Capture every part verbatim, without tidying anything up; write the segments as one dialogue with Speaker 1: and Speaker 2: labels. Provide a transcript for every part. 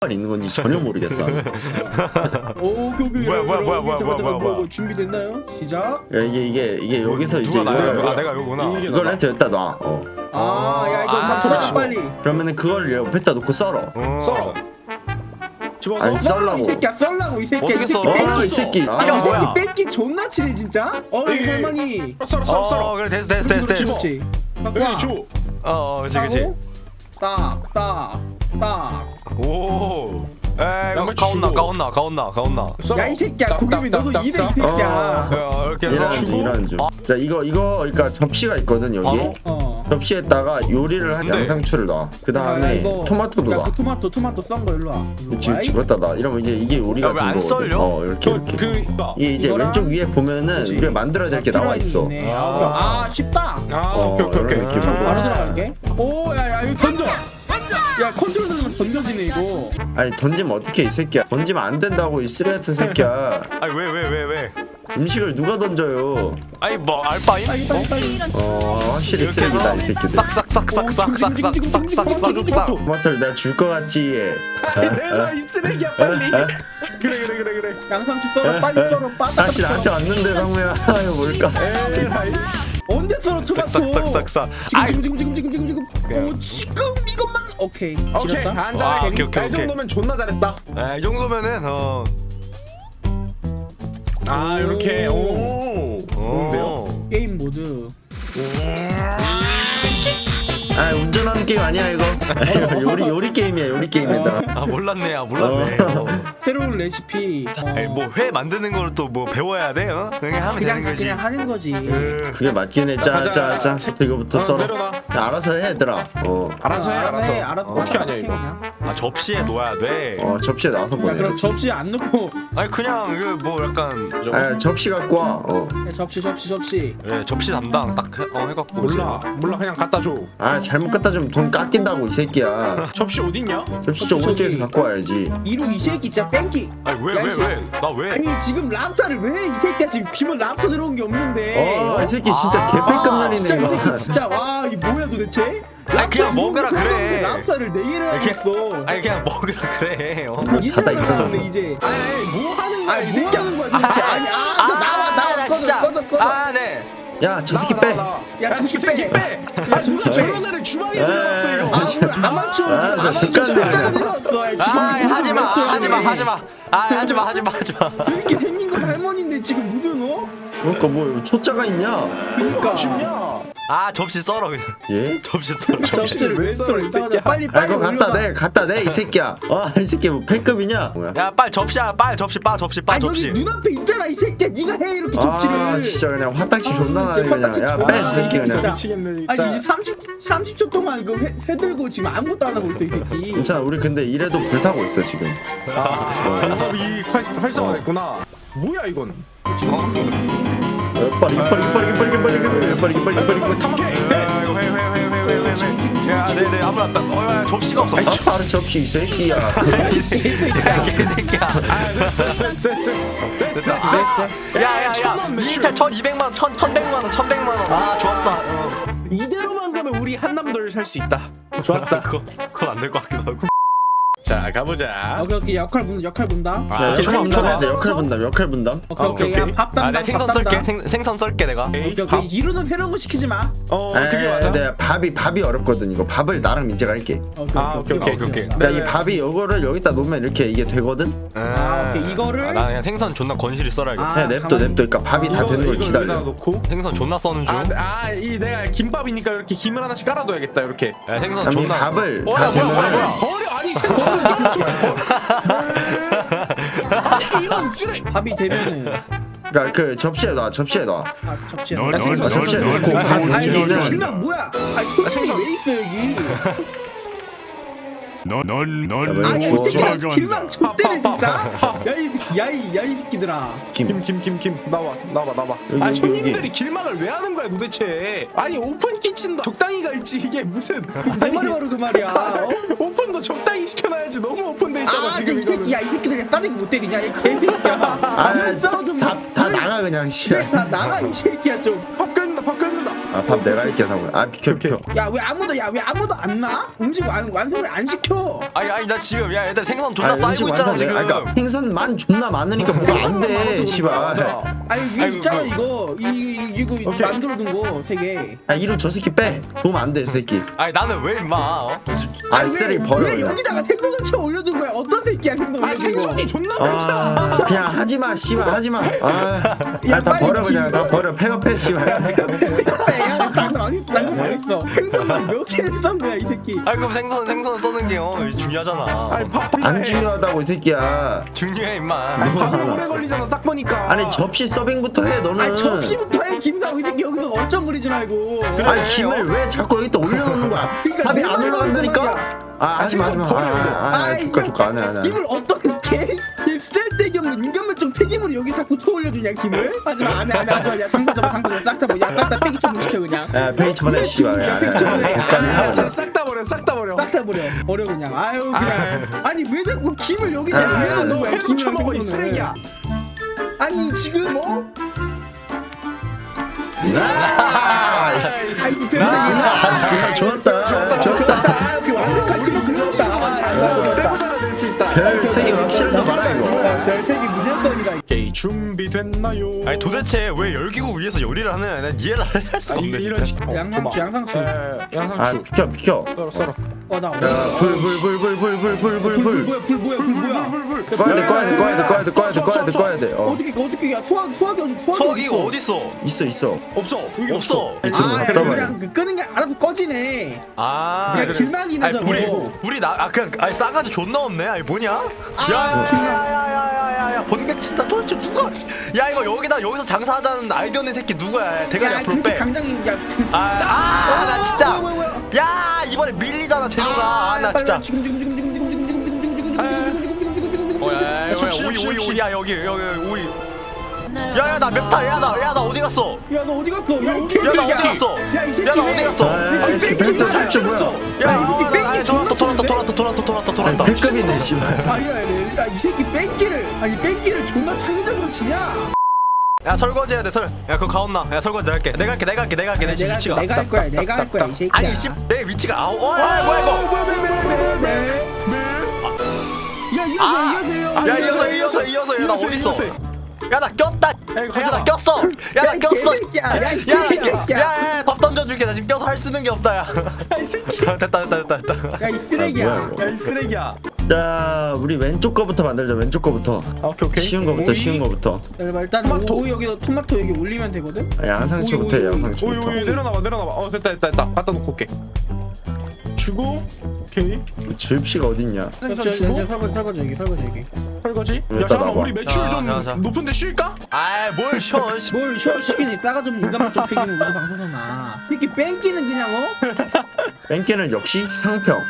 Speaker 1: 있는 건지 전혀 모르겠어.
Speaker 2: 오, 오케이 오케이.
Speaker 3: 뭐야, 뭐야, 뭐야, 뭐야,
Speaker 2: 잠깐, 잠깐,
Speaker 3: 뭐야, 뭐야.
Speaker 2: 준비됐나요? 시작.
Speaker 1: 야, 이게 이게 이게 여기서 이제
Speaker 3: 누가 나야?
Speaker 1: 이걸
Speaker 3: 아 내가 이거구나.
Speaker 1: 이걸 이렇게 여기다 놔. 어.
Speaker 2: 아, 야 이거
Speaker 3: 아,
Speaker 2: 다 썰어
Speaker 3: 그렇지.
Speaker 2: 빨리.
Speaker 1: 그러면은 그걸 옆에다 놓고 썰어.
Speaker 3: 어.
Speaker 4: 썰어. 집어서.
Speaker 1: 아니, 썰라고.
Speaker 2: 이 새끼야 썰라고 이 새끼야.
Speaker 3: 어떻게
Speaker 2: 이 새끼
Speaker 3: 썰어?
Speaker 2: 뺏기
Speaker 1: 아, 이 새끼.
Speaker 2: 아,
Speaker 1: 아,
Speaker 2: 이
Speaker 3: 뭐야?
Speaker 2: 새끼 뺏기 존나 치네 진짜. 어, 이 할머니.
Speaker 4: 썰어 썰어
Speaker 3: 어
Speaker 4: 썰어.
Speaker 3: 그래 됐어 됐어 됐어 됐어.
Speaker 2: 그렇지.
Speaker 4: 여기 줘.
Speaker 3: 어 그치 그치.
Speaker 2: 딱, 딱, 딱.
Speaker 3: 오. 에이
Speaker 4: 양말
Speaker 3: 가온나
Speaker 4: 주고.
Speaker 3: 가온나 가온나 가온나.
Speaker 4: 썰어.
Speaker 2: 야 이 새끼야
Speaker 4: 딱,
Speaker 2: 고기비
Speaker 4: 딱,
Speaker 2: 너도
Speaker 4: 딱,
Speaker 2: 이래 이
Speaker 4: 딱.
Speaker 2: 새끼야.
Speaker 3: 야 이렇게 해서
Speaker 1: 이런 중 이런 중. 자 이거 이거 그러니까 접시가 있거든 여기.
Speaker 3: 어?
Speaker 2: 어.
Speaker 1: 접시에다가 요리를 한
Speaker 3: 근데-
Speaker 1: 양상추를 넣어. 그 다음에 토마토도
Speaker 2: 야,
Speaker 1: 넣어.
Speaker 2: 그 토마토 토마토 썬 거 일로 와. 일로
Speaker 1: 그치
Speaker 2: 와,
Speaker 1: 그치
Speaker 2: 이-
Speaker 1: 그렇다 나. 이러면 이제 이게 요리가
Speaker 3: 야, 왜안
Speaker 1: 된 거거든.
Speaker 3: 썰려?
Speaker 1: 어 이렇게
Speaker 4: 그,
Speaker 1: 이렇게.
Speaker 4: 그
Speaker 1: 이게 이제
Speaker 2: 이거랑-
Speaker 1: 왼쪽 위에 보면은
Speaker 2: 그치.
Speaker 1: 우리가 만들어야 될 게 나와 있어.
Speaker 2: 있네.
Speaker 4: 아.
Speaker 2: 아, 아 쉽다.
Speaker 4: 아
Speaker 1: 어,
Speaker 4: 오케이 오케이 오케이.
Speaker 1: 이런 느낌.
Speaker 2: 자, 바로 들어갈게. 오, 야, 야, 이거 던져. 야, 컨트롤 누르면 던져지네 이거.
Speaker 1: 아니 던지면 어떻게 이 새끼야? 던지면 안 된다고 이 쓰레 같은 새끼야.
Speaker 3: 아니 왜 왜 왜 왜?
Speaker 1: 음식을 누가 던져요?
Speaker 3: 아니 뭐 알바임?
Speaker 2: 빨리 빨리 빨리.
Speaker 1: 어 확실히
Speaker 3: 이렇게
Speaker 1: 쓰레기다 이
Speaker 3: 해서
Speaker 1: 새끼들.
Speaker 3: 싹싹싹싹싹싹싹싹싹.
Speaker 1: 토마토를 내가 줄 것 같지.
Speaker 4: 내놔 이 쓰레기야 빨리. 그래 그래 그래 그래.
Speaker 2: 양상추 썰어 빨리 썰어 빠따.
Speaker 1: 다시 나한테 왔는데 상무야. 아 이거 뭘까?
Speaker 4: 에이.
Speaker 2: 언제 썰어 토마토?
Speaker 3: 싹싹싹싹. 아이
Speaker 2: 지금 지금 지금 지금 지금 지금 지금.
Speaker 3: 그냥.
Speaker 2: 오 지금 이것만. 오케이.
Speaker 4: 오케이
Speaker 2: 지렸다?
Speaker 4: 앉아.
Speaker 3: 아, 오케이, 오케이,
Speaker 4: 이
Speaker 3: 오케이.
Speaker 4: 정도면 존나 잘했다.
Speaker 3: 아, 이 정도면은 어.
Speaker 4: 아 이렇게 오. 좋은데요?
Speaker 3: 어.
Speaker 2: 게임 모드.
Speaker 1: 아 운전하는 게임 아니야 이거. 요리 요리 게임이야 요리 게임이다.
Speaker 3: 아 몰랐네, 아 몰랐네. 어.
Speaker 2: 새로운 레시피. 어.
Speaker 3: 아니 뭐 회 만드는 걸 또 뭐 배워야 돼? 어? 그냥 하면
Speaker 2: 그냥
Speaker 3: 되는 거지.
Speaker 2: 그냥 하는 거지.
Speaker 3: 음.
Speaker 1: 그게 맞긴 해. 짜짜짜. 이거부터
Speaker 4: 어,
Speaker 1: 썰어.
Speaker 4: 내려놔.
Speaker 1: 야, 알아서 해 얘들아. 어.
Speaker 4: 알아서 해 알아서.
Speaker 2: 해, 알아서.
Speaker 4: 어떻게 하냐 이거.
Speaker 2: 그냥.
Speaker 3: 아 접시에 놓아야 돼.
Speaker 1: 어 접시에 나와서
Speaker 2: 야,
Speaker 1: 보내.
Speaker 2: 그럼 접시 안 넣고.
Speaker 3: 아니 그냥 그 뭐 약간
Speaker 1: 아 접시 갖고 와. 어.
Speaker 2: 야, 접시 접시 접시.
Speaker 3: 예, 접시 담당 딱 해, 어, 해갖고
Speaker 4: 몰라 몰라 그냥 갖다 줘.
Speaker 1: 아 잘못 갖다 주면 돈 깎인다고 이 새끼야.
Speaker 4: 접시 어딨냐?
Speaker 1: 접시 저 오른쪽에서 갖고 와야지.
Speaker 2: 이루 이 새끼 진짜 뺑기.
Speaker 3: 아니 왜
Speaker 2: 야, 이
Speaker 3: 왜
Speaker 2: 새끼.
Speaker 3: 왜? 나 왜?
Speaker 2: 아니 지금 랍스타를 왜 이 새끼야 지금 기본 랍스타 들어온 게 없는데.
Speaker 1: 어, 이 새끼 진짜
Speaker 2: 아,
Speaker 1: 개패급난이네
Speaker 2: 진짜 이
Speaker 1: 이거.
Speaker 2: 새끼 진짜 와 이게 뭐야 도대체?
Speaker 3: 아니, 그냥 먹으라 그래.
Speaker 2: 랍스타를 네 개를
Speaker 3: 이렇게-
Speaker 2: 하겠어.
Speaker 3: 아니 그냥 먹으라 그래. 어.
Speaker 2: 이제
Speaker 1: 닫아 있어.
Speaker 2: 들어가네 이제.
Speaker 4: 아니 뭐 하는 거야
Speaker 2: 아니
Speaker 4: 이
Speaker 2: 뭐
Speaker 4: 새끼야.
Speaker 2: 하는 거야 도대체? 아니 아, 저 나와 나와
Speaker 3: 나
Speaker 2: 꺼져
Speaker 3: 진짜.
Speaker 2: 꺼져 꺼져.
Speaker 3: 아 네.
Speaker 1: 야 저 새끼 빼.
Speaker 2: 야,
Speaker 4: 야,
Speaker 2: 저
Speaker 4: 저
Speaker 2: 새끼
Speaker 4: 새끼
Speaker 2: 빼.
Speaker 4: 빼. 야, 누가 저런 애를 주방에 들어갔어 이거.
Speaker 2: 아 오늘 아마추어
Speaker 1: 아,
Speaker 2: 아마추어
Speaker 1: 진짜
Speaker 2: 진짜 들어왔어. 야, 지금
Speaker 3: 아
Speaker 2: 이거
Speaker 3: 하지마
Speaker 2: 왜 저래?
Speaker 3: 하지마 하지마. 아 하지마 하지마 하지마.
Speaker 2: 이렇게 생긴 건 할머니인데 지금 무슨 어?
Speaker 1: 그러니까 뭐 초짜가 있냐?
Speaker 2: 그니까.
Speaker 4: 춥냐?
Speaker 3: 아 접시 썰어 그냥.
Speaker 1: 예?
Speaker 3: 접시 썰어.
Speaker 2: 접시를 왜 썰어 이 새끼야? 빨리
Speaker 1: 아
Speaker 2: 빨리
Speaker 1: 이거 갖다
Speaker 2: 올려놔.
Speaker 1: 내 갖다 내 이 새끼야. 아이 새끼 뭐 패급이냐? 뭐야?
Speaker 3: 야 빨리 접시야 빨리 접시 빠 접시 빠
Speaker 2: 아니
Speaker 3: 접시.
Speaker 2: 여기 눈앞에 있잖아 이 새끼야. 네가 해 이렇게 접시를.
Speaker 1: 아 진짜 그냥 화딱지 존나 나네
Speaker 2: 진짜
Speaker 1: 그냥.
Speaker 2: 화딱지
Speaker 1: 야
Speaker 2: 존나
Speaker 1: 빼 이
Speaker 2: 나네,
Speaker 1: 새끼
Speaker 2: 진짜.
Speaker 1: 그냥.
Speaker 4: 미치겠네
Speaker 2: 아니
Speaker 4: 진짜.
Speaker 2: 이제 삼십 삼십 초 동안 이거 회, 회 들고 지금 아무것도 안 하고 있어 이 새끼.
Speaker 1: 괜찮아 우리 근데 이래도 불타고 있어 지금.
Speaker 4: 방법이 활- 활성화됐구나. 뭐야 이건?
Speaker 1: 빨리 빨리 빨리 빨리 빨리 빨리 빨리 빨리 빨리 빨리.
Speaker 4: 오케이 됐어.
Speaker 3: 회회회회회회회. 야 네네 아무나 어 접시가 없어.
Speaker 1: 아이 바로 접시 이 새끼야.
Speaker 3: 야 개새끼야.
Speaker 4: 아 됐어 됐어 됐어 됐어 됐어 됐어.
Speaker 3: 야야야
Speaker 4: 천원 매출.
Speaker 3: 이차 천이백만 원 천 천백만 원 천백만 원. 아 좋았다. 어.
Speaker 4: 이대로만 가면 우리 한남돌 살 수 있다.
Speaker 3: 좋았다. 그거 그건 안 될 것 같기도 하고.
Speaker 4: 자 가보자.
Speaker 2: 오케이 오케이 역할 분 역할 분담.
Speaker 4: 아,
Speaker 1: 야,
Speaker 4: 오케이,
Speaker 1: 역할 분담해서
Speaker 4: 처음
Speaker 1: 역할 분담 역할 분담.
Speaker 2: 오케이 오케이,
Speaker 4: 오케이, 오케이.
Speaker 2: 야, 밥
Speaker 3: 아
Speaker 2: 담당
Speaker 3: 내가 생선
Speaker 2: 밥
Speaker 3: 썰게
Speaker 2: 담당.
Speaker 3: 생, 생선 썰게 내가.
Speaker 4: 오케이,
Speaker 2: 오케이
Speaker 4: 밥.
Speaker 2: 오케이 이루는 새로운 거 시키지 마.
Speaker 4: 어 그게
Speaker 1: 에,
Speaker 4: 맞아.
Speaker 1: 내가 밥이 밥이 어렵거든 이거. 밥을 나랑 민재가 할게.
Speaker 2: 오케이
Speaker 4: 아, 오케이, 오케이,
Speaker 3: 오케이, 오케이.
Speaker 1: 그러니까 이 밥이 이거를 여기다 놓으면 이렇게 이게 되거든.
Speaker 2: 아, 오케이, 이거를-
Speaker 3: 아, 나 그냥 생선 존나 건실히 썰어야겠다.
Speaker 2: 아,
Speaker 1: 그냥 냅둬
Speaker 2: 가만히-
Speaker 1: 냅둬. 그러니까 밥이 다
Speaker 4: 이거-
Speaker 1: 되는 걸
Speaker 4: 이걸
Speaker 1: 기다려.
Speaker 4: 여기다가 놓고.
Speaker 3: 생선 존나 써는 중.
Speaker 4: 아이 내가 김밥이니까 이렇게 김을 하나씩 깔아둬야겠다 이렇게.
Speaker 3: 야, 생선
Speaker 1: 그럼 이
Speaker 3: 존나.
Speaker 1: 밥을
Speaker 3: 어,
Speaker 1: 다
Speaker 3: 야, 뭐야, 뭐야,
Speaker 1: 되면은
Speaker 3: 뭐야.
Speaker 4: 버려 아니 생선을 좀 아니 이런 쓰레.
Speaker 2: 밥이 되면은
Speaker 1: 그러니까 그 접시에 놔 접시에 놔.
Speaker 2: 아 접시에.
Speaker 4: 널,
Speaker 2: 넣어.
Speaker 4: 널,
Speaker 1: 아, 접시에
Speaker 4: 널,
Speaker 1: 놓고
Speaker 4: 널,
Speaker 1: 밥
Speaker 4: 널,
Speaker 2: 아니
Speaker 1: 움직이는.
Speaker 2: 김밥 뭐야? 아니 생선 왜 있어 여기?
Speaker 5: 넌넌넌
Speaker 2: 아니 이
Speaker 1: 주워서
Speaker 2: 새끼야 길망 좆대네 진짜. 야이 야이 야이 새끼들아.
Speaker 1: 김.
Speaker 4: 김 김 김 김 나와 나와 나와.
Speaker 1: 여기,
Speaker 4: 아
Speaker 1: 여기,
Speaker 4: 손님들이
Speaker 1: 여기.
Speaker 4: 길막을 왜 하는 거야 도대체? 아니 오픈 키친도 적당히가 있지 이게 무슨?
Speaker 2: 내 말이 바로 그 말이야. 어?
Speaker 4: 오픈도 적당히 시켜놔야지 너무 오픈돼 있잖아
Speaker 2: 아,
Speaker 4: 지금
Speaker 2: 이 새끼,
Speaker 4: 이거는.
Speaker 2: 야, 이 새끼들 그냥 싸대기 못 때리냐, 이 개새끼야.
Speaker 1: 아,
Speaker 2: 싸워 좀.
Speaker 1: 다, 다 나가 그냥 씨.
Speaker 2: 다 나가, 이 새끼야, 좀.
Speaker 4: 밥 끓는다 밥 끓는다.
Speaker 1: 아 밥 내가 할게 상호야. 아 비켜 비켜.
Speaker 2: 야 왜 아무도 야 왜 아무도 안 나? 음식 완, 완성을 안 시켜.
Speaker 3: 아니 아니 나 지금 야 일단 생선 존나
Speaker 1: 아니, 음식
Speaker 3: 쌓이고 있잖아
Speaker 1: 완성
Speaker 3: 지금.
Speaker 1: 내가- 그러니까 생선만 존나 많으니까 뭐가 안돼 씨발.
Speaker 2: 아니 이거
Speaker 3: 아이고,
Speaker 2: 있잖아
Speaker 3: 그-
Speaker 2: 이거 이, 이, 이거
Speaker 4: 오케이.
Speaker 2: 만들어둔 거 세 개.
Speaker 1: 아 이루 저 새끼 빼. 도움 안 돼 이 새끼.
Speaker 3: 아니 나는 왜 임마? 어?
Speaker 1: 아 쓰레기 버려
Speaker 2: 왜
Speaker 1: 그냥.
Speaker 2: 여기다가 생선을 쳐 올려둔 거야? 어떤 새끼야 생선
Speaker 4: 아
Speaker 2: 올려둔
Speaker 4: 생선이
Speaker 2: 거?
Speaker 4: 존나
Speaker 1: 아
Speaker 4: 많잖아.
Speaker 1: 그냥 하지마 씨발 하지마. 아다
Speaker 2: 빨리
Speaker 1: 버려 그냥 다 버려. 폐업해 씨발.
Speaker 2: 야, 나는 안 했어. 나는 안 했어. 생선만 몇 개를 썬 거야 이 새끼.
Speaker 3: 아니 그럼 생선 생선 써는 게 어, 중요하잖아.
Speaker 4: 아니 밥
Speaker 1: 안 중요하다고 이 새끼야.
Speaker 3: 중요해 임마.
Speaker 4: 밥이 오래 걸리잖아 딱 보니까.
Speaker 1: 아니 접시 서빙부터 해 너는.
Speaker 2: 아니 접시부터 해 김사고 이 새끼 여기서 얼쩡거리지 말고.
Speaker 1: 아니 김을 왜 자꾸 여기 또 올려놓는 거야?
Speaker 2: 그러니까
Speaker 1: 밥이
Speaker 2: 내
Speaker 1: 안
Speaker 2: 말이
Speaker 1: 올라간다니까?
Speaker 2: 그거야.
Speaker 1: 아 하지마 하지마. 아아
Speaker 2: 아이,
Speaker 1: 조카 조카 안해 안해.
Speaker 2: 김을 어떤 개 쓸데기 없는 인간물좀 폐기물을 여기 자꾸 쳐올려주냐 김을? 하지마 안해 안해 하지마 야 상자 잡아 상자 잡아 싹다 뭐야 싹다 폐기 처분 시켜 그냥.
Speaker 1: 야 페이지 쳐보내 씨발. 안해 조카는 하자.
Speaker 4: 싹다 버려 싹 다 버려.
Speaker 2: 싹 다 버려 버려 그냥. 아유 그냥. 아니 왜 자꾸 김을 여기 자꾸 왜 넣는 거야
Speaker 4: 회로
Speaker 2: 김이랑
Speaker 4: 쳐먹어 이
Speaker 2: 생선을.
Speaker 4: 쓰레기야.
Speaker 2: 아니 지금 뭐?
Speaker 1: 나이스.
Speaker 2: 아이고
Speaker 1: 아
Speaker 2: 별생이야.
Speaker 1: 씨발 좋았다. 좋았다.
Speaker 2: 아 이렇게 완벽한 팀을 그렸다.
Speaker 4: 때보다 낼수 있다.
Speaker 1: 별 색이 확실한 거 많아 이거.
Speaker 2: 별색이 무조건이다.
Speaker 4: 오케이 준비됐나요?
Speaker 3: 아니 도대체 왜 열기구 위에서 요리를 하느냐 난 이해를 할 수가
Speaker 4: 아니,
Speaker 3: 없네
Speaker 4: 이런
Speaker 3: 진짜.
Speaker 4: 식- 어,
Speaker 2: 양상추
Speaker 4: 고마워.
Speaker 2: 양상추.
Speaker 4: 예,
Speaker 1: 아
Speaker 4: 양상추.
Speaker 1: 비켜 비켜.
Speaker 4: 썰어 썰어.
Speaker 2: 어나
Speaker 1: 불 불 불 불 불 불 불 불
Speaker 2: 불
Speaker 1: 불.
Speaker 2: 뭐야 불 뭐야 불 뭐야.
Speaker 1: 꺼야 돼 꺼야 돼 꺼야 돼 꺼야 돼 꺼야 돼 꺼야 돼 꺼야 돼. 어
Speaker 2: 어떻게 어떻게 야 소화 소화기 어디 소화기
Speaker 3: 소화기가
Speaker 2: 어디
Speaker 3: 어디 있어?
Speaker 1: 있어 있어.
Speaker 4: 없어. 여기
Speaker 3: 없어.
Speaker 1: 아니, 지금
Speaker 2: 아
Speaker 1: 갔다
Speaker 2: 그냥
Speaker 1: 와요.
Speaker 2: 그냥 그 끄는 게 알아서 꺼지네.
Speaker 3: 아
Speaker 2: 그냥 길막이 나잖아.
Speaker 3: 아니 불이 불이 나아 그냥 아니 싸가지 존나 없네. 아니 뭐냐?
Speaker 2: 아,
Speaker 3: 야야야야야야야 번개 진짜 도대체 누가? 야 이거 여기다 여기서 장사하자는 아이디어 낸 새끼 누구야? 대가리
Speaker 2: 야
Speaker 3: 앞으로
Speaker 2: 그렇게
Speaker 3: 빼.
Speaker 2: 강장이 야.
Speaker 3: 아나
Speaker 2: 어,
Speaker 3: 진짜.
Speaker 2: 뭐야, 뭐야, 뭐야.
Speaker 3: 야 이번에 밀리잖아 재료가. 아나 진짜.
Speaker 2: 지금 지금 지금 지금 지금 지금 지금 지금 지금 지금 지금 지금 지금 지금 지금 지금
Speaker 3: 어야
Speaker 4: 좀
Speaker 3: 오이
Speaker 4: 심,
Speaker 3: 오이
Speaker 4: 심,
Speaker 3: 오이 야 여기 여기 오이. 야야 나 맵타 야나 야 나 어디 갔어?
Speaker 2: 야 너 어디 갔어? 야,
Speaker 3: 야 나 어디 갔어?
Speaker 2: 야이 새끼
Speaker 3: 야 나
Speaker 2: 왜-
Speaker 3: 어디 갔어?
Speaker 1: 아 대체 대체 뭐야?
Speaker 2: 야, 이 새끼 뺑기
Speaker 3: 야 돌았다 돌았다 돌았다 돌았다 돌았다
Speaker 1: 아니
Speaker 3: 돌았다.
Speaker 1: 백급이네 씨발.
Speaker 2: 아니야 야이 새끼 뺑기를 아니 뺑기를 존나 창의적으로 치냐?
Speaker 3: 야 설거지 해야 돼 설. 야 그거 가온나. 야 설거지 내가 할게. 내가 할게 내가 할게 내가 할게 내 지금
Speaker 2: 내가
Speaker 3: 위치가.
Speaker 2: 내가 할 거야 내가 할 거야 이 새끼야.
Speaker 3: 아니 씨내 위치가 아우 어 야, 뭐야 이거?
Speaker 2: 야 이거
Speaker 3: 아,
Speaker 2: 이거
Speaker 3: 야 이어서 이어서 이어서 야나 어디 있어? 야 나 꼈다.
Speaker 4: 이거
Speaker 3: 야 나
Speaker 4: 가져와.
Speaker 3: 꼈어. 야 나
Speaker 2: 이
Speaker 3: 꼈어.
Speaker 2: 개새끼야. 야, 이 새끼야.
Speaker 3: 야야밥 던져줄게. 나 지금 껴서 할 쓰는 게 없다 야.
Speaker 4: 이 새끼.
Speaker 3: 됐다 됐다 됐다 됐다.
Speaker 2: 야이
Speaker 1: 아,
Speaker 2: 쓰레기야.
Speaker 1: 뭐야, 이거.
Speaker 4: 야이 쓰레기야.
Speaker 1: 자 우리 왼쪽 거부터 만들자. 왼쪽 거부터.
Speaker 4: 아, 오케이 오케이.
Speaker 1: 쉬운 거부터
Speaker 4: 오이.
Speaker 1: 쉬운 거부터.
Speaker 2: 일단 일단
Speaker 4: 토마토.
Speaker 2: 오이 여기다 토마토 여기 올리면 되거든.
Speaker 1: 아, 양상추부터 해
Speaker 2: 오이, 오이, 오이.
Speaker 4: 오이
Speaker 1: 양상추부터.
Speaker 4: 오이 내려놔봐 내려놔봐. 어 됐다 됐다 됐다. 갖다 놓고 올게. 주고 오케이.
Speaker 1: 줍시가 어딨냐?
Speaker 2: 저, 저,
Speaker 4: 주고
Speaker 2: 저, 설거지 설거지 여기 설거지 여기.
Speaker 4: 설거지. 야
Speaker 1: 여기다
Speaker 4: 잠깐만
Speaker 1: 놔봐.
Speaker 4: 우리 매출
Speaker 3: 자,
Speaker 4: 좀
Speaker 3: 자, 자.
Speaker 4: 높은데 쉴까?
Speaker 3: 아뭘 쉬어. 씨.
Speaker 2: 뭘 쉬어 시키니 싸가 좀 인간만 좀 패기는 우리 방송사나. 이렇게 뺑기는 그냥 어?
Speaker 1: 뺑기는 역시 상평.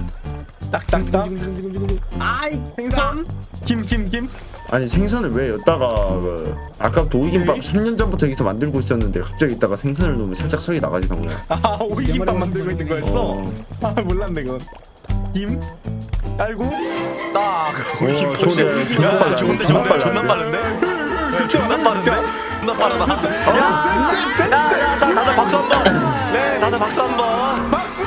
Speaker 4: 딱딱딱.
Speaker 2: 아이
Speaker 4: 생선. 김 김 김.
Speaker 1: 아니 생선을 왜 여기다가 그 아까부터 오이김밥
Speaker 4: 오케이.
Speaker 1: 삼 년 전부터 여기서 만들고 있었는데 갑자기 이따가 생선을 넣으면 살짝 석이 나가지 방금.
Speaker 4: 아 오이김밥 만들고 있는 거였어?
Speaker 1: 어.
Speaker 4: 아 몰랐네 그건. 김 깔고.
Speaker 3: 딱.
Speaker 1: 오,
Speaker 3: 우리
Speaker 1: 좋네. 존나
Speaker 3: 야,
Speaker 1: 빨라.
Speaker 3: 좋은데
Speaker 1: 존나
Speaker 3: 좋은데
Speaker 1: 빨라.
Speaker 3: 존나 빠른데? 야, 존나 빠른데? 존나 빠르다. 야, 야, 야, 자, 다들 박수 한 번. 네, 다들 박수 한 번.
Speaker 4: 박수.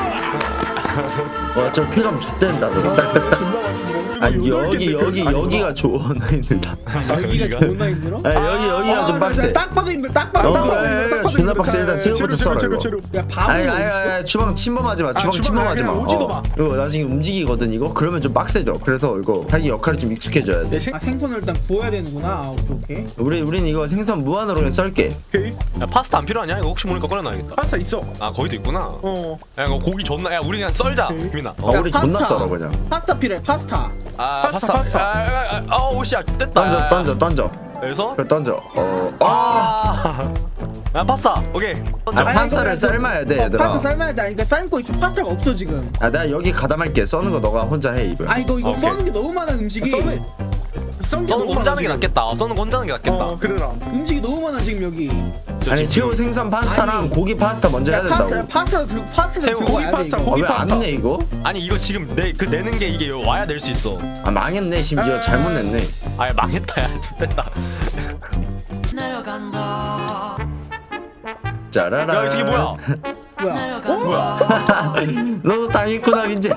Speaker 1: 와저 쾌감 X된다 저거 딱딱딱.
Speaker 4: 존나 맛있네.
Speaker 1: 아
Speaker 4: 이거 여덟
Speaker 1: 여기
Speaker 4: 개인데
Speaker 1: 여기
Speaker 4: 그- 아니,
Speaker 1: 여기가 좋나 힘들다.
Speaker 2: 여기가 존나 힘들어?
Speaker 1: 아 여기 여기가 좀 빡세.
Speaker 2: 딱 봐도 힘들어 딱 봐도
Speaker 1: 어,
Speaker 2: 딱 봐도
Speaker 1: 그래.
Speaker 2: 힘들어 딱 봐도
Speaker 1: 존나
Speaker 2: 힘들어.
Speaker 1: 빡세. 일단 새우부터 썰어
Speaker 4: 재료,
Speaker 1: 이거.
Speaker 4: 재료, 재료.
Speaker 2: 야 밥을
Speaker 1: 아니
Speaker 2: 어디
Speaker 1: 아니
Speaker 2: 있어?
Speaker 1: 아니 주방 침범하지 마. 주방
Speaker 4: 주방
Speaker 1: 침범하지 마.
Speaker 4: 그냥 오지도
Speaker 1: 어.
Speaker 4: 마.
Speaker 1: 이거 나중에 움직이거든 이거. 그러면 좀 빡세져. 그래서 이거 자기 역할을 좀 익숙해져야 돼.
Speaker 4: 내 생.
Speaker 2: 아 생선을 일단 구워야 되는구나. 아 오케이 오케이.
Speaker 1: 우리 우린 이거 생선 무한으로 그냥 썰게.
Speaker 4: 오케이.
Speaker 3: 야, 파스타 안 필요하냐? 이거 혹시 모르니까 꺼내놔야겠다.
Speaker 4: 파스타 있어.
Speaker 3: 아, 거기도 있구나.
Speaker 4: 어.
Speaker 3: 야, 이거 고기 존나. 야, 우리 그냥 썰자.
Speaker 4: 오케이.
Speaker 3: 유민아.
Speaker 1: 어
Speaker 2: 야,
Speaker 1: 우리 존나
Speaker 2: 파스타.
Speaker 1: 썰어 그냥.
Speaker 2: 파스타 필요해 파스타.
Speaker 3: 아,
Speaker 4: 파스타,
Speaker 3: 파스타.
Speaker 4: 파스타.
Speaker 3: 아, 아, 아, 아, 오씨야, 됐다.
Speaker 1: 던져 던져 던져.
Speaker 3: 그래서
Speaker 1: 그래 던져. 어. 아.
Speaker 3: 아, 야, 파스타. 오케이. 던져.
Speaker 1: 아, 파스타를 삶아야 돼
Speaker 2: 어,
Speaker 1: 얘들아.
Speaker 2: 파스타 삶아야 돼. 아니, 그러니까 삶고 있어. 파스타가 없어 지금.
Speaker 1: 아 내가 여기 가담할게. 써는 거 너가 혼자 해 이거.
Speaker 2: 아 이거 이거
Speaker 3: 오케이.
Speaker 2: 써는 게 너무 많아 음식이.
Speaker 4: 써는. 썬
Speaker 3: 써는 혼자는 게 낫겠다. 어, 써는 혼자는 게 낫겠다.
Speaker 4: 어 그래라.
Speaker 2: 음식이 너무 많아 지금 여기.
Speaker 3: 저
Speaker 1: 아니
Speaker 3: 지금
Speaker 1: 새우 생선 파스타랑
Speaker 2: 아니.
Speaker 1: 고기 파스타 먼저 해야
Speaker 2: 야
Speaker 1: 된다고.
Speaker 2: 파스타 파스타 들고 파스타
Speaker 3: 새우,
Speaker 2: 들고
Speaker 3: 고기
Speaker 2: 와야
Speaker 4: 파스타,
Speaker 2: 돼. 이거.
Speaker 4: 고기
Speaker 1: 아, 왜안
Speaker 4: 파스타.
Speaker 1: 내 이거?
Speaker 3: 아니 이거 지금 내 그 내는 게 이게 와야 낼 수 있어.
Speaker 1: 아 망했네 심지어 잘못 냈네.
Speaker 3: 아야 망했다 야. 좋됐다.
Speaker 5: 내려간다
Speaker 1: 짜라라.
Speaker 3: 야 이 새끼 뭐야?
Speaker 2: 뭐야? 어?
Speaker 3: 뭐야?
Speaker 1: 너도 당했구나 민재야.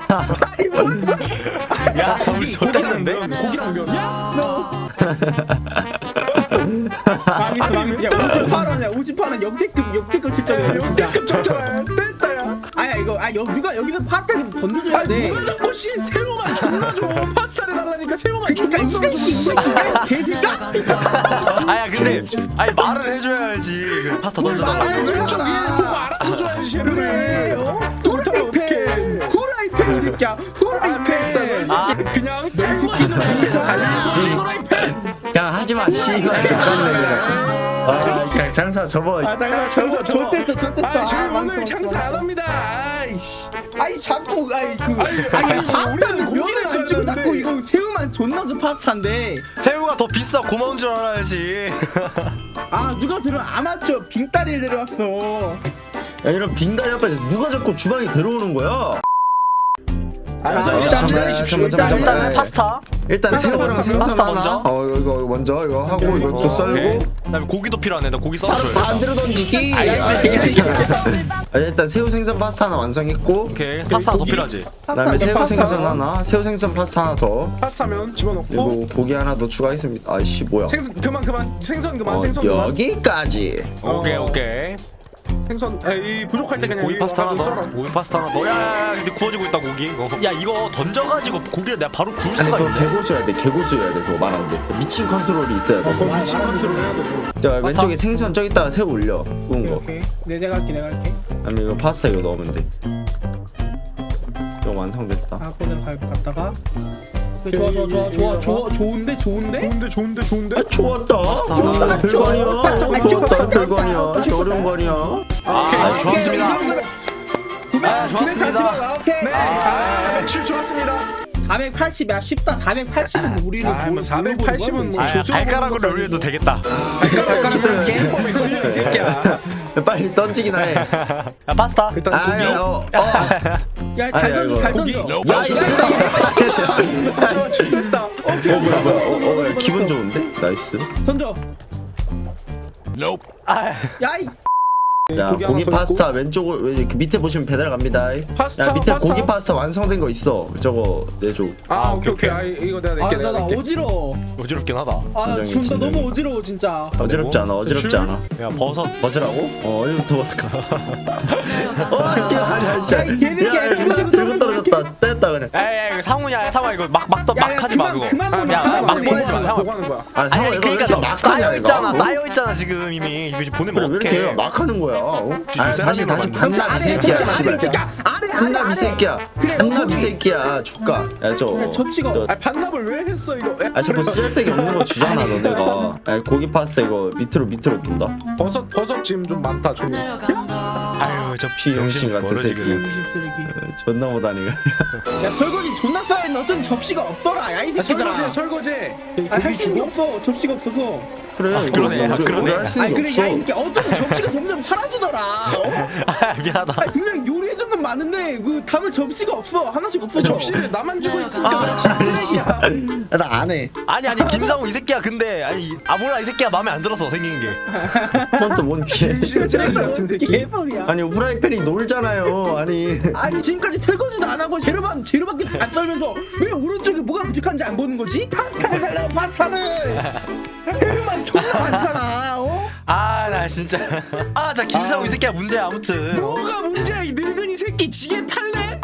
Speaker 3: 야 우리 좆됐는데?
Speaker 4: 고기랑 면. 야.
Speaker 2: 너. 망했어 망했어. 야 오십팔 원이야. 오십팔 원 역대급 역대급 실적이야 진짜.
Speaker 4: 역대급 적잖아. 됐다야.
Speaker 2: 아야 이거 아 여, 누가 여기서 파스타를 던져줘야 돼.
Speaker 4: 누가 자꾸 씨 새우만 존나 줘. 파스타를 달라니까 새우만
Speaker 2: 그러니까 이
Speaker 4: 존나
Speaker 2: 새끼 이 새끼 개새끼야.
Speaker 3: 아야 근데 아니 말을 해줘야지. 그 파스타 던져달라고.
Speaker 4: 아니 왼쪽 위에 보고 알아서 줘야지
Speaker 2: 그래.
Speaker 4: 쟤를.
Speaker 2: 어?
Speaker 4: 못하면
Speaker 2: 후라이팬. 후라이팬 이 새끼야. 후라이팬.
Speaker 3: 아
Speaker 4: 그냥 달궈지는 위에서 달리는 후라이팬.
Speaker 1: 야 하지마 씨발 족같네 그냥. 아 그냥 장사 접어.
Speaker 2: 아 잠깐만 장사 좆됐어 좆됐어.
Speaker 4: 아 저희
Speaker 2: 아,
Speaker 4: 오늘
Speaker 2: 망했어,
Speaker 4: 장사 안
Speaker 2: 망했어.
Speaker 4: 합니다. 아이씨.
Speaker 2: 아니 자꾸 아니 그
Speaker 4: 아니,
Speaker 2: 아니
Speaker 4: 아니,
Speaker 2: 파스타는
Speaker 4: 우리는
Speaker 2: 고기를 안 주고
Speaker 4: 고기를
Speaker 2: 자꾸
Speaker 4: 썼는데.
Speaker 2: 이거 새우만 존나 준 파스타인데.
Speaker 3: 새우가 더 비싸 고마운 줄 알아야지.
Speaker 2: 아 누가 들어 아마추어 빙다리를 내려왔어.
Speaker 1: 야 이런 빙다리 앞에 누가 자꾸 주방에 들어오는 거야?
Speaker 2: 아,
Speaker 1: 일단
Speaker 2: 일단
Speaker 1: 기다리십시오.
Speaker 2: 일단
Speaker 1: 네.
Speaker 3: 일단은 파스타.
Speaker 1: 일단 새우랑 생선
Speaker 3: 파스타
Speaker 1: 하나.
Speaker 3: 먼저?
Speaker 1: 어 이거 이거 먼저 이거 하고 이거 또 썰고.
Speaker 3: 그다음에 고기도 필요하네. 나 고기
Speaker 1: 바로
Speaker 3: 썰어줘야 돼.
Speaker 1: 반대로 던지기.
Speaker 3: 알겠어.
Speaker 1: 아, 일단 새우 생선 파스타 하나 완성했고.
Speaker 3: 오케이 파스타 하나 더 필요하지.
Speaker 1: 그다음에 새우
Speaker 2: 파스타.
Speaker 1: 생선 하나, 새우 생선 파스타 하나 더.
Speaker 4: 파스타면 집어넣고
Speaker 1: 그리고 고기 하나 더 추가했습니다. 아이씨 뭐야?
Speaker 4: 생선 그만 그만 생선 그만
Speaker 1: 어,
Speaker 4: 생선 그만.
Speaker 1: 여기까지.
Speaker 3: 오케이 오케이.
Speaker 4: 생선 에이 부족할 때 그냥
Speaker 3: 고기
Speaker 4: 여기
Speaker 3: 파스타 하나
Speaker 4: 와가지고
Speaker 3: 더.
Speaker 4: 썰어.
Speaker 3: 고기 파스타 하나 더. 야야야 근데 구워지고 있다 고기. 어. 야 이거 던져가지고 고기를 내가 바로 구울
Speaker 1: 아니
Speaker 3: 수가
Speaker 1: 그거
Speaker 3: 있네.
Speaker 1: 개고수여야 돼. 개고수여야 돼. 그거 말하는데 미친 컨트롤이 있어야 돼.
Speaker 4: 그럼 미친 컨트롤 해야 되고.
Speaker 1: 자 왼쪽에 생선 저기다가 새우 올려. 구운 거.
Speaker 2: 오케이 네 내가 할게 내가 할게.
Speaker 1: 그다음에 이거 파스타 이거 넣으면 돼. 이거 완성됐다.
Speaker 2: 아 그냥 갈 갔다가. 좋아 좋아 좋아 좋아 좋아 좋은데 좋은데?
Speaker 4: 좋은데 좋은데 좋은데.
Speaker 1: 아 좋았다.
Speaker 3: 하나.
Speaker 1: 좋았다. 별거 아니야.
Speaker 2: 파스타
Speaker 1: 좋았다.
Speaker 2: 좋았다.
Speaker 1: 별거 아니야. 저 어려운 거 아니야.
Speaker 3: 아 좋았습니다.
Speaker 2: 아
Speaker 3: 좋았습니다.
Speaker 2: 오케이.
Speaker 4: 네. 아 매출 좋았습니다.
Speaker 2: 사백팔십이야 쉽다. 사백팔십은 우리를
Speaker 4: 아뭐 사백팔십은 뭐
Speaker 3: 아
Speaker 4: 조수
Speaker 3: 발가락으로 올려도 되겠다.
Speaker 4: 게임법에 걸려 이 새끼야.
Speaker 1: 빨리 던지기나 해.
Speaker 3: 야 파스타.
Speaker 4: 일단
Speaker 1: 아,
Speaker 4: 고기.
Speaker 1: 야, 어, 어.
Speaker 2: 야잘
Speaker 1: 아니야,
Speaker 2: 던져
Speaker 1: 이거.
Speaker 2: 잘
Speaker 4: 고기.
Speaker 2: 던져.
Speaker 1: 야, 이 쓰레기.
Speaker 4: 저 좋됐다.
Speaker 1: 어, 뭐야, 뭐야. 어, 어, 야, 기분 좋은데? 나이스.
Speaker 2: 던져.
Speaker 3: 아,
Speaker 2: 야이.
Speaker 1: 야,
Speaker 4: 고기
Speaker 1: 고기,
Speaker 4: 하나 더
Speaker 1: 파스타 왼쪽을 왜 그 밑에 보시면 배달 갑니다.
Speaker 4: 파스타,
Speaker 1: 야, 밑에
Speaker 4: 파스타.
Speaker 1: 고기 파스타 완성된 거 있어. 저거 내줘.
Speaker 4: 아 오케이 오케이. 아 이거 내가 낼게 내가
Speaker 2: 아나
Speaker 4: 낼게.
Speaker 2: 어지러워.
Speaker 3: 어지럽긴 하다.
Speaker 2: 아
Speaker 1: 진정해,
Speaker 2: 진짜
Speaker 1: 진정해.
Speaker 2: 너무 어지러워 진짜.
Speaker 1: 어지럽지 않아, 어지럽지 않아.
Speaker 3: 야 버섯.
Speaker 1: 벗으라고? 어, 어디부터 벗을까? 어, 씨, 아니야, 씨.
Speaker 2: 야, 이 개새끼야,
Speaker 1: 야, 야,
Speaker 2: 들고
Speaker 1: 들고 떨어졌다. 뺐다, 그래.
Speaker 3: 야야 이거 상훈이야 상훈아 이거 막막막
Speaker 2: 야, 야,
Speaker 3: 하지 마
Speaker 2: 그만,
Speaker 3: 그거.
Speaker 2: 그만 보내,
Speaker 3: 야
Speaker 2: 그만
Speaker 3: 막
Speaker 2: 보내.
Speaker 3: 보내지 마
Speaker 4: 뭐
Speaker 3: 상훈.
Speaker 4: 하는 거야?
Speaker 1: 아,
Speaker 3: 아니
Speaker 1: 상호,
Speaker 3: 아니
Speaker 1: 이거
Speaker 3: 그러니까
Speaker 1: 왜
Speaker 3: 너
Speaker 1: 이렇게 막
Speaker 3: 쌓여
Speaker 1: 하냐,
Speaker 3: 있잖아
Speaker 1: 이거?
Speaker 3: 쌓여 있잖아 지금 이미 이거 지금 보내면
Speaker 1: 그래, 왜 이렇게
Speaker 3: 어떡해.
Speaker 1: 막 하는 거야? 어? 아, 다시, 다시
Speaker 3: 만들어.
Speaker 1: 반납 이
Speaker 2: 아래
Speaker 1: 새끼야,
Speaker 2: 접시
Speaker 1: 씨발.
Speaker 2: 아래 새끼야. 아래 아래
Speaker 1: 한납 이
Speaker 2: 아래.
Speaker 1: 새끼야.
Speaker 2: 그래,
Speaker 1: 한납 이
Speaker 2: 거기.
Speaker 1: 새끼야. 조까. 야, 저.
Speaker 2: 그래, 접시가.
Speaker 1: 저-
Speaker 4: 아 반납을 왜 했어 이거?
Speaker 1: 아, 자꾸 쓸데기 없는 거 주잖아, 너네가. 야, 고기 파스타 이거 밑으로 밑으로 둔다.
Speaker 4: 버섯 버섯 지금 좀 많다 종이.
Speaker 3: 아유 저
Speaker 1: 비용신 같은
Speaker 3: 멀어지,
Speaker 1: 새끼.
Speaker 3: 그래.
Speaker 2: 쓰레기.
Speaker 1: 존나 못하네.
Speaker 2: 야 설거지 존나 까였는데 어쩐 접시가 없더라. 야이
Speaker 4: 아,
Speaker 2: 새끼들아.
Speaker 4: 설거지 설거지. 여기
Speaker 2: 아,
Speaker 4: 고기
Speaker 2: 할 수
Speaker 4: 주고.
Speaker 2: 없어. 접시가 없어서.
Speaker 1: 그래,
Speaker 3: 아, 그러네, 아, 그러네.
Speaker 1: 우리 할수
Speaker 2: 아니
Speaker 1: 있는
Speaker 2: 그래
Speaker 1: 게
Speaker 2: 야이
Speaker 1: 없어.
Speaker 2: 새끼 어쩌면 접시가 점점 사라지더라. 어?
Speaker 3: 아 미안하다.
Speaker 2: 아니 분명 요리해준 건 많은데 그 담을 접시가 없어. 하나씩 없어.
Speaker 4: 접시를 나만 주고 있으니까 그렇지 쓰레기야.
Speaker 1: 나 안 해.
Speaker 3: 아니 아니 김상훈 이 새끼야 근데 아니 아 몰라 이 새끼야 마음에 안 들어서 생긴 게.
Speaker 1: 그건 또뭔 개.
Speaker 4: 쓰레기 같은 새끼.
Speaker 2: 개소리야.
Speaker 1: 아니 후라이팬이 놀잖아요. 아니.
Speaker 2: 아니 지금까지 설거지도 안 하고 재료만 재료밖에 안 썰면서 왜 오른쪽에 뭐가 부족한지 안 보는 거지? 파스타를 달라고 파스타를. 재료만 존나 많잖아. 어?
Speaker 3: 아 나 진짜. 아 자 김상훈 이 새끼야 문제야 아무튼.
Speaker 4: 뭐가 문제야 이 늙은이 새끼 지게 탈래?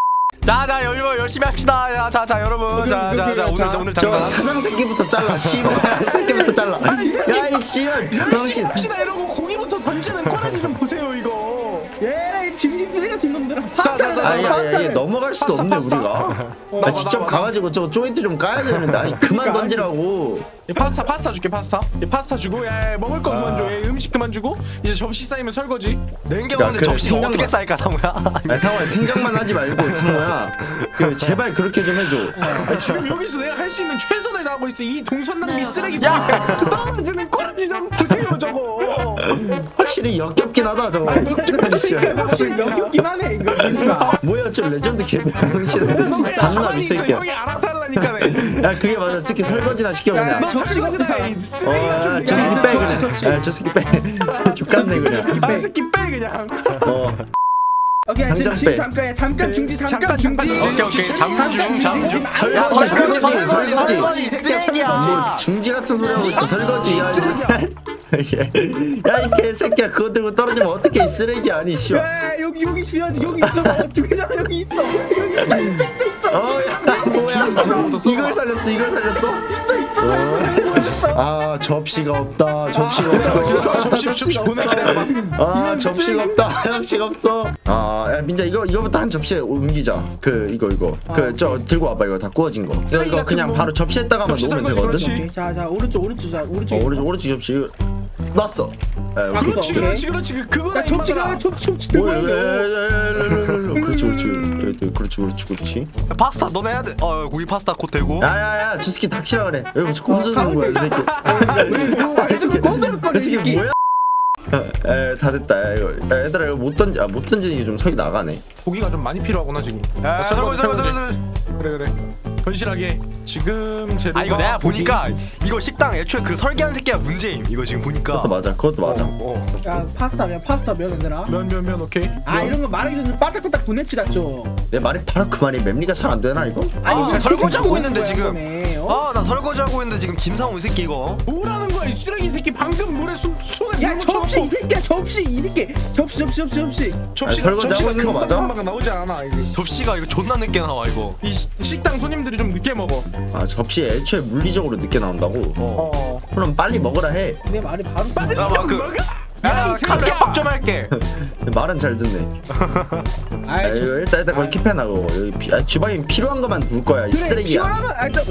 Speaker 3: 자자 여러분 열심히 합시다. 자자 여러분 자자자 오늘 오늘
Speaker 1: 저
Speaker 3: 장사.
Speaker 1: 사장 새끼부터 잘라. 씨발 새끼부터 잘라. 야이 씨발
Speaker 4: 열심히
Speaker 1: 병신.
Speaker 4: 합시다 이러고 고기부터 던지는 꼬라지 좀 보세요 이거.
Speaker 2: 얘이 빙신 쓰레기 같은 놈들아. 파스타를
Speaker 1: 아니
Speaker 2: 달라고
Speaker 1: 아니 아니
Speaker 2: 파스타를.
Speaker 1: 넘어갈 수도 없네
Speaker 4: 파스타,
Speaker 1: 우리가.
Speaker 4: 어,
Speaker 1: 아 직접
Speaker 4: 나와, 나와.
Speaker 1: 가가지고 저 조인트 좀 까야 되는데 아니 그만 던지라고.
Speaker 4: 이 파스타 파스타 줄게 파스타. 이 파스타 주고 야, 야 먹을 거 그만 줘. 야, 음식 그만 주고 이제 접시 쌓이면 설거지.
Speaker 3: 냉겨오는데
Speaker 1: 그래,
Speaker 3: 접시가
Speaker 1: 생각나.
Speaker 3: 어떻게 쌓일까 상우야?
Speaker 1: 아니 상호야 생각만 하지 말고 상호야 그 제발 그렇게 좀 해줘.
Speaker 4: 아, 지금 여기서 내가 할 수 있는 최선을 다하고 있어. 이 동선낭비 쓰레기. 야 떨어지는 꼬라지 좀 보세요 저거.
Speaker 1: 확실히 역겹긴 하다 저거. 아니, 씨발.
Speaker 2: 확실히 역겹긴 하네 이거. 그러니까.
Speaker 1: 뭐야 저 레전드 개병신은 반납 이
Speaker 4: 가만히 있어.
Speaker 1: 새끼야.
Speaker 4: 형이 알아서 하려니까. 하니까.
Speaker 1: 야 그게 맞아. 새끼 설거지나 시켜 그냥.
Speaker 4: 너
Speaker 2: 접시가
Speaker 4: 설거지나
Speaker 2: 없다.
Speaker 4: 이 쓰레기
Speaker 1: 어,
Speaker 4: 같은
Speaker 1: 야, 저 새끼 빼 그냥. 야, 저 새끼 빼. 죽겠네 그냥.
Speaker 4: 아 새끼 빼 그냥.
Speaker 1: 어.
Speaker 2: 오케이 지금
Speaker 1: 당장
Speaker 2: 지금
Speaker 1: 빼.
Speaker 2: 잠깐 잠깐 중지 잠깐
Speaker 4: 잠깐, 잠깐.
Speaker 2: 중지.
Speaker 3: 오케이 오케이 잠중 잠중.
Speaker 1: 설거지,
Speaker 3: 설거지
Speaker 1: 설거지,
Speaker 3: 설거지
Speaker 1: 설거지.
Speaker 3: 설거지 쓰레기야.
Speaker 1: 중지 같은 소리 하고 있어. 설거지. 야, 이 개새끼야. 그거 들고 떨어지면 어떻게 이 쓰레기 아니 씨발.
Speaker 2: 야 여기 여기 중요하지 여기 있어. 중요하잖아 여기 있어. 여기 있어 있어
Speaker 1: 어, 야, 뭐야? 이걸 살렸어. 이걸 살렸어. 어. 아, 접시가 없다. 접시가 없어.
Speaker 4: 접시 접시 보내 그래.
Speaker 1: 아, 접시가 없다. 접시가 없어. 아, 야, 민자 이거 이거부터 한 접시에 옮기자. 그 이거 이거. 그 저 들고 와봐. 이거 다 구워진 거. 이거, 이거 그냥 바로 접시에다가만
Speaker 4: 접시
Speaker 1: 놓으면
Speaker 4: 설거지,
Speaker 1: 되거든.
Speaker 4: 그렇지.
Speaker 2: 오케이, 자, 자, 오른쪽, 오른쪽, 자, 오른쪽.
Speaker 1: 어, 오른쪽 오른쪽 접시 이거 놨어. 에,
Speaker 2: 아,
Speaker 1: 오케이.
Speaker 4: 그렇지
Speaker 2: 오케이.
Speaker 4: 그렇지 그렇지 그거다
Speaker 2: 야, 접시가, 접시, 접시 들고
Speaker 1: 오, 예, 예,
Speaker 2: 와요.
Speaker 1: 예, 예, 예, 예, 그렇지 그렇지 그렇지 그렇지 그렇지 그렇지.
Speaker 3: 파스타 너네 해야 돼. 어 고기 파스타 곧 되고.
Speaker 1: 야야야 저 새끼 닥치라 그래. 여기 자꾸 혼수는 거야 이 새끼.
Speaker 2: 그래서 꼬들거리
Speaker 1: 이 새끼 뭐야? 에, 다 됐다. 야, 이거 야, 얘들아 이거 못 던지 아, 못 던지는 게 좀 석이 나가네.
Speaker 4: 고기가 좀 많이 필요하구나 지금.
Speaker 3: 야 설거지 설거지 설거지.
Speaker 4: 그래 그래. 건실하게 지금 재료가.
Speaker 3: 아 이거 내가
Speaker 4: 고기-
Speaker 3: 보니까 이거 식당 애초에 그 설계한 새끼가 문제임. 이거 지금 보니까.
Speaker 1: 그것도 맞아. 그것도 맞아.
Speaker 4: 어, 어.
Speaker 2: 야, 파스타면, 파스타면, 얘들아.
Speaker 4: 면 면 면 오케이.
Speaker 2: 아, 이런 거 말하기 전에 바닥바닥 보냅시다, 좀.
Speaker 1: 내 말이 바로 그 말이 맵리가 잘 안 되나 이거?
Speaker 3: 아니
Speaker 2: 이거
Speaker 3: 설거지 하고
Speaker 2: 보고
Speaker 3: 있는데
Speaker 2: 거야,
Speaker 3: 지금.
Speaker 2: 이번에, 어?
Speaker 3: 아 나 설거지 하고 있는데 지금 김상우 이 새끼 이거.
Speaker 4: 뭐라는 거야 이 쓰레기 새끼 방금 물에 손 손에
Speaker 2: 야,
Speaker 4: 물
Speaker 2: 접시, 이
Speaker 4: 묻혀놓고.
Speaker 2: 새끼야, 접시, 이 새끼. 접시, 접시, 접시, 접시.
Speaker 4: 접시가
Speaker 1: 설거지
Speaker 4: 접시가
Speaker 1: 하고 있는 거
Speaker 4: 금방
Speaker 1: 맞아?
Speaker 4: 금방 나오지 않아 이게.
Speaker 3: 접시가 이거 존나 늦게 나와 이거.
Speaker 4: 이 시- 식당 손님들이 좀 늦게 먹어.
Speaker 1: 아 접시에 애초에 물리적으로 늦게 나온다고?
Speaker 4: 어.
Speaker 1: 그럼 빨리 먹으라 해.
Speaker 2: 내 말이 바로.
Speaker 4: 빨리
Speaker 3: 야, 막 그-
Speaker 4: 먹어.
Speaker 3: 야
Speaker 4: 야,
Speaker 3: 감격박 좀 할게.
Speaker 1: 말은 잘 듣네. 아,
Speaker 2: 아이, 저.
Speaker 1: 이거 일단 일단 거기 킵해놔고 여기 피, 아, 주방에 필요한 것만 둘 거야 이
Speaker 2: 그래,
Speaker 1: 쓰레기야.
Speaker 2: 시원하면, 아, 저.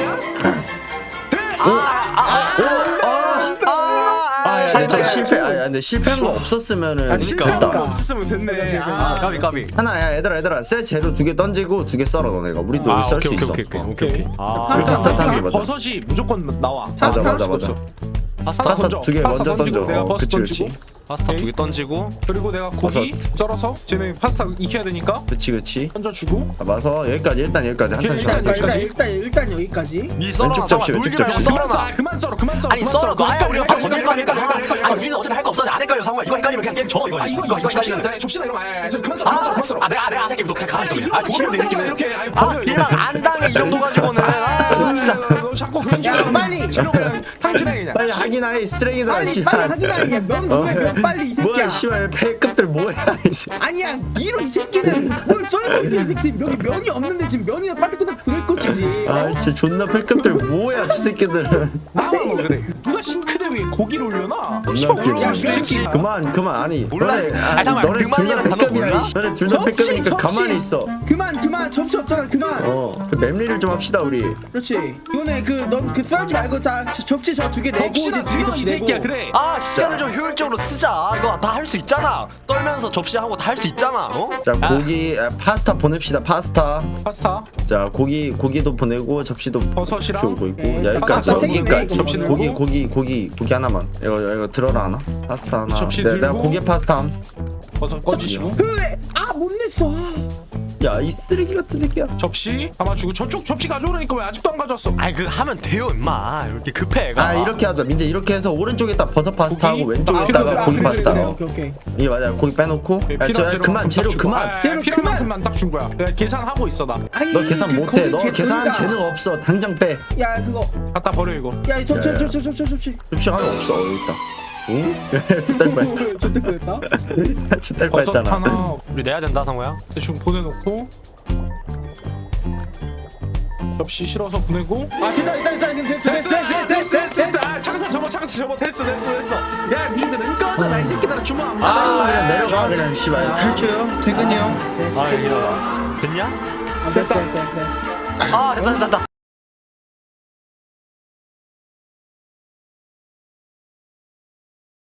Speaker 1: 아, 야, 진짜 실패. 아, 야, 근데 실패한 거 없었으면은
Speaker 4: 아, 실패한 거
Speaker 1: 됐다.
Speaker 4: 없었으면 됐네.
Speaker 3: 아
Speaker 4: 아,
Speaker 3: 까비 까비.
Speaker 1: 하나야, 얘들아, 얘들아, 새 재료 두 개 던지고 두 개 썰어 너네가. 우리도
Speaker 3: 아
Speaker 1: 썰 수
Speaker 3: 오케이
Speaker 1: 있어.
Speaker 3: 오케이 오케이
Speaker 1: 어.
Speaker 3: 오케이 오케이. 아
Speaker 1: 이렇게 스타트하는 게 맞아.
Speaker 4: 버섯이 무조건 나와.
Speaker 1: 맞아,
Speaker 2: 파스타
Speaker 1: 맞아,
Speaker 2: 할
Speaker 1: 맞아.
Speaker 3: 파스타
Speaker 1: 파스타
Speaker 4: 던져.
Speaker 1: 두 개
Speaker 4: 파스타
Speaker 1: 먼저
Speaker 4: 던지고
Speaker 1: 던져.
Speaker 4: 내가
Speaker 1: 어,
Speaker 4: 버섯
Speaker 1: 그치,
Speaker 4: 던지고.
Speaker 1: 그치.
Speaker 3: 파스타
Speaker 4: 오케이.
Speaker 3: 두 개 던지고.
Speaker 4: 그리고 내가 고기 썰어서 쟤네 파스타 익혀야 되니까
Speaker 1: 그치, 그치.
Speaker 4: 던져주고.
Speaker 1: 잡아서 여기까지 일단 여기까지 한
Speaker 4: 오케이,
Speaker 1: 탄씩
Speaker 4: 일단
Speaker 1: 한
Speaker 2: 일단,
Speaker 1: 탄씩.
Speaker 2: 일단, 일단, 일단 여기까지.
Speaker 3: 미 썰어.
Speaker 1: 왼쪽 접시, 왼쪽 접시.
Speaker 4: 그만 썰어
Speaker 3: 썰어놔.
Speaker 4: 그만 썰어 그만 썰어
Speaker 3: 아니
Speaker 4: 그만
Speaker 3: 썰어.
Speaker 4: 그만
Speaker 3: 아야 우리가 바로 던질 거 아닐까?
Speaker 4: 헷갈려,
Speaker 3: 아 우리는 어차피 할 거 없어. 안 헷갈려 상우야. 이거 헷갈리면 그냥 게임 져 이거.
Speaker 4: 아 이거 이거 접시나 돼 접시나 이런 거 아니야 그만 썰어 그만 썰어 그만 썰어.
Speaker 3: 아 내가 내가 안 새끼 너 그냥 가만히 있어. 아 고기인데 이 새끼는.
Speaker 4: 이렇게 아니,
Speaker 3: 아
Speaker 4: 버려,
Speaker 3: 일방
Speaker 4: 이거.
Speaker 3: 안 당해 이 정도 가지고는. 아 진짜.
Speaker 4: 너 자꾸 그런 식으로
Speaker 2: 야, 빨리.
Speaker 4: 재료 그냥 탕진해 그냥.
Speaker 1: 빨리 하긴 하이 쓰레기들아
Speaker 2: 빨리,
Speaker 1: 씨발.
Speaker 2: 빨리 하지 마, 이게. 면, 뭐야, 면 빨리, 이 새끼야.
Speaker 1: 뭐야 씨발 배급들 뭐야 이씨.
Speaker 2: 아니야, 이런 이 새끼는 뭘 썰고 있는 이 새끼. 여기 면이 없는데 지금 면이나 빠뜨거나 보낼 것이지.
Speaker 1: 아 진짜 존나 패급들 뭐야 지 새끼들은.
Speaker 4: 나와 뭐 그래 누가 싱크대 위에 고기를 올려놔.
Speaker 1: 존나 웃기네.
Speaker 2: 야,
Speaker 3: 이 새끼.
Speaker 1: 그만 그만 아니
Speaker 3: 몰라.
Speaker 1: 너네
Speaker 3: 아,
Speaker 1: 아니,
Speaker 3: 잠깐만,
Speaker 1: 너네 둘 다
Speaker 3: 그만이라는 단어
Speaker 1: 패급이야
Speaker 3: 몰라?
Speaker 1: 이씨. 너네 둘 다
Speaker 2: 접시,
Speaker 1: 패급이니까
Speaker 2: 접시.
Speaker 1: 가만히 있어.
Speaker 2: 그만, 그만. 접시 없잖아, 그만.
Speaker 1: 어그 맵리를 좀 합시다 우리.
Speaker 2: 그렇지. 이번에 그넌그 썰지 말고 자 저- 접시 저 두 개 내고
Speaker 4: 접시나
Speaker 2: 이제 두개
Speaker 4: 들어 이
Speaker 2: 접시
Speaker 4: 새끼야
Speaker 2: 내고.
Speaker 4: 그래.
Speaker 3: 아 시간을 좀 효율적으로 쓰자. 이거 다 할 수 있잖아. 떨면서 접시하고 다 할 수 있잖아. 어?
Speaker 1: 자 고기 아, 파스타 보냅시다 파스타.
Speaker 4: 파스타
Speaker 1: 자 고기 고기도 보내고 접시도
Speaker 4: 버섯이랑
Speaker 1: 오고 있고
Speaker 2: 네,
Speaker 1: 야, 여기까지
Speaker 2: 파스타
Speaker 1: 여기까지
Speaker 2: 세 개네,
Speaker 1: 고기
Speaker 4: 이거.
Speaker 1: 고기 고기 고기 하나만 이거 이거 들어라 하나 파스타 하나
Speaker 4: 접시
Speaker 1: 내, 내가
Speaker 4: 들고.
Speaker 1: 고기 파스타 함.
Speaker 4: 버섯 꺼지시고
Speaker 2: 그래. 아, 못 냈어.
Speaker 1: 야 이 쓰레기 같은 새끼야.
Speaker 4: 접시 담아주고 저쪽 접시 가져오라니까 왜 아직도 안 가져왔어?
Speaker 3: 아이 그 하면 돼요 임마. 이렇게 급해 애가.
Speaker 1: 아 이렇게 하자 민재 이렇게 해서 오른쪽에다 버섯 파스타 하고
Speaker 4: 고기?
Speaker 1: 왼쪽에다가
Speaker 4: 아,
Speaker 1: 고기
Speaker 2: 그래,
Speaker 1: 파스타
Speaker 2: 그래,
Speaker 1: 어.
Speaker 2: 오케이, 오케이.
Speaker 1: 이게 맞아 고기 빼놓고
Speaker 4: 네,
Speaker 1: 야, 저,
Speaker 4: 필요한
Speaker 1: 야, 그만 재료
Speaker 4: 딱 주고.
Speaker 1: 그만
Speaker 4: 아,
Speaker 2: 재료
Speaker 4: 필요한
Speaker 2: 그만.
Speaker 4: 만큼만 딱 준 거야. 내가 계산하고 있어 나.
Speaker 2: 아니,
Speaker 1: 너 계산
Speaker 2: 그
Speaker 1: 못해
Speaker 2: 거기
Speaker 1: 너
Speaker 2: 걔
Speaker 1: 계산한
Speaker 2: 둘 다-
Speaker 1: 재능 없어 당장 빼.
Speaker 2: 야, 그거.
Speaker 4: 갖다 버려 이거.
Speaker 2: 야, 이 접시,
Speaker 1: 야, 야.
Speaker 2: 접시, 접시, 접시, 접시.
Speaker 1: 접시 하나 없어 어, 여기 있다. 응? 진딸 뻔했다.
Speaker 2: 저때 그랬다.
Speaker 1: 진딸
Speaker 4: 버섯
Speaker 1: 뻔했잖아.
Speaker 4: 하나
Speaker 3: 우리 내야 된다 상우야.
Speaker 4: 대충 보내놓고 접시 실어서 보내고.
Speaker 2: 아, 됐다, 됐다, 됐다. 됐어, 됐어,
Speaker 4: 됐어
Speaker 2: 됐어,
Speaker 4: 됐어
Speaker 2: 됐어,
Speaker 4: 됐어 됐어. 아, 창사 접어 창사 접어 됐어 됐어 됐어. 야 니들은 꺼져라 이 새끼들아 주문 안
Speaker 1: 아
Speaker 4: 받아.
Speaker 1: 그냥 내려가 그냥 씨발 탈주요 퇴근이요.
Speaker 3: 아 여기다. 됐냐?
Speaker 2: 아, 됐다, 됐다, 됐다.
Speaker 3: 아 됐다 됐다 됐다.